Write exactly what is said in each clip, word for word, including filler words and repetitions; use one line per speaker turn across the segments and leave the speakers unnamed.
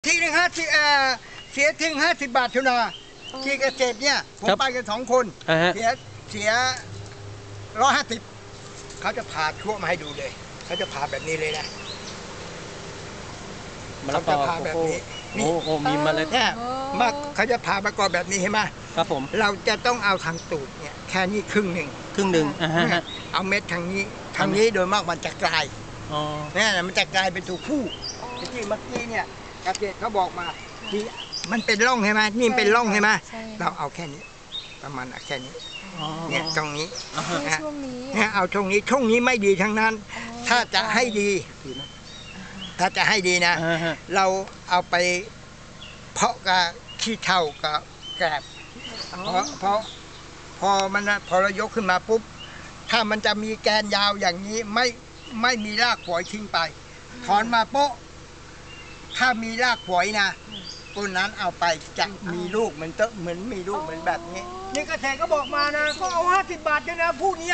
ทีหนึ่งห้าสิบเออเสียทิ้งห้าสิบบาททุนาที่เกษตรเนี่ยผมไปกันสองคนเสียเสียร้อยห้าสิบเขาจะผ่าทั่วมาให้ดูเลยเขาจะผ่าแบบนี้เลยนะเขาจะผ่าแบบนี้
โอ้โหมีมาเลย
เนี่ยมาเขาจะผ่าประกอบแบบนี้เห็นไหม
ครับผม
เราจะต้องเอาทางตูดเนี่ยแค่นี้ครึ่งหนึ่ง
ครึ่งหนึ่ง
เอาเม็ดทางนี้ทางนี้โดยมากมันจะกลายเนี่ยมันจะกลายเป็นตัวผู้ที่เมื่อกี้เนี่ยเกษตรเขาบอกมาที่มันเป็นร่องใช่ไหมนี่เป็นร่องใช่ไหมเราเอาแค่นี้ประมาณแค่นี้เนี่ยตรงนี้
ช่วงนี้
เนี่ยเอาช่วงนี้ช่วงนี้ไม่ดีทั้งนั้นถ้าจะให้ดีถ้าจะให้ดีนะเราเอาไปเพาะกับขี้เถ้ากับแกลบเพราะเพราะพอมันพอเรายกขึ้นมาปุ๊บถ้ามันจะมีแกนยาวอย่างนี้ไม่ไม่มีรากฝอยทิ้งไปถอนมาโป๊ะถ้ามีรากฝอยนะต้นนั้นเอาไปจะมีลูกมันจะเหมือนมีลูกเหมือนแบบนี้นี่เกษตรก็บอกมานะก็เอาห้าสิบบาทเลยนะผู้นี้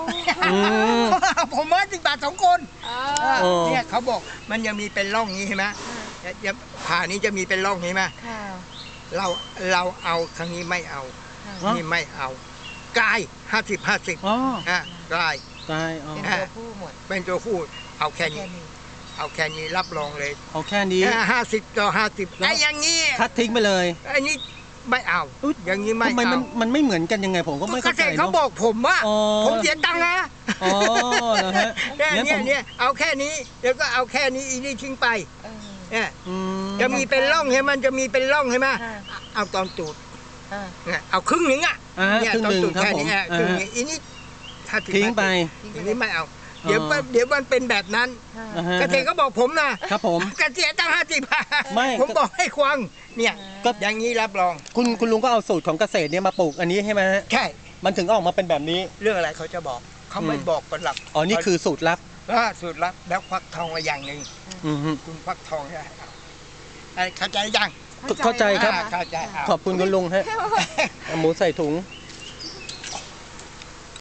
ผมห้าสิบบาทสองคนเนี่ยเขาบอกมันยังมีเป็นร่องนี้ใช่ไหมผ่านี้จะมีเป็นร่องนี้ไหมเราเราเอาครั้งนี้ไม่เอานี่ไม่เอากายห้าสิบห้าสิบอ่ะกาย
กาย
เป็นตัวผู้หมด
เป็นตัวผู้เอาแค่นี้เอาแค่นี้รับรองเลย
เอาแค่นี้
ห้าสิบต่อห้าสิบไอ้อย่างนี้
คัดทิ้งไปเลย
ไอ้นี่ไม่เอาอย่างนี้ไม่
ทำไมมันมันไม่เหมือนกันยังไงผมก็ไม่เข้าใจ
เขาบอกผมว่าผมเสียตังค์นะ
อ๋อนะฮะ
เนี่ยเนี่ยเอาแค่นี้เดี๋ยวก็เอาแค่นี้อีนี่ทิ้งไปเนี่ยจะมีเป็นร่องใช่ไหมมันจะมีเป็นร่องใช่ไหมเอาตอนตูดเอาครึ่งหนึ่งอ่ะเนี่ยตอนตูดแค่นี้ครึ่งนี้อีนี่
ทิ้งไป
อีนี่ไม่เอาเดี๋ยวเดี๋ยวมันเป็นแบบนั้นเกษตรก็บอกผมนะครับ
ผม
เกษตรตั้งห้าสิบผมบอกให้ควังเนี่ยก็อย่างนี้รับรอง
คุณคุณลุงก็เอาสูตรของเกษตรเนี่ยมาปลูกอันนี้ใช่ไหม
ใช่
มันถึงออกมาเป็นแบบนี้
เรื่องอะไรเขาจะบอกเขาไม่บอกเป็นหลัก
อ๋อนี่คือสูตรลับ
สูตรลับแล้วควักทองมาอย่างหนึ่งคุณควักทองได้เข้าใจยัง
เข้าใจครับ
เข้าใจ
ขอบคุณคุณลุงฮะหมูใส่ถุง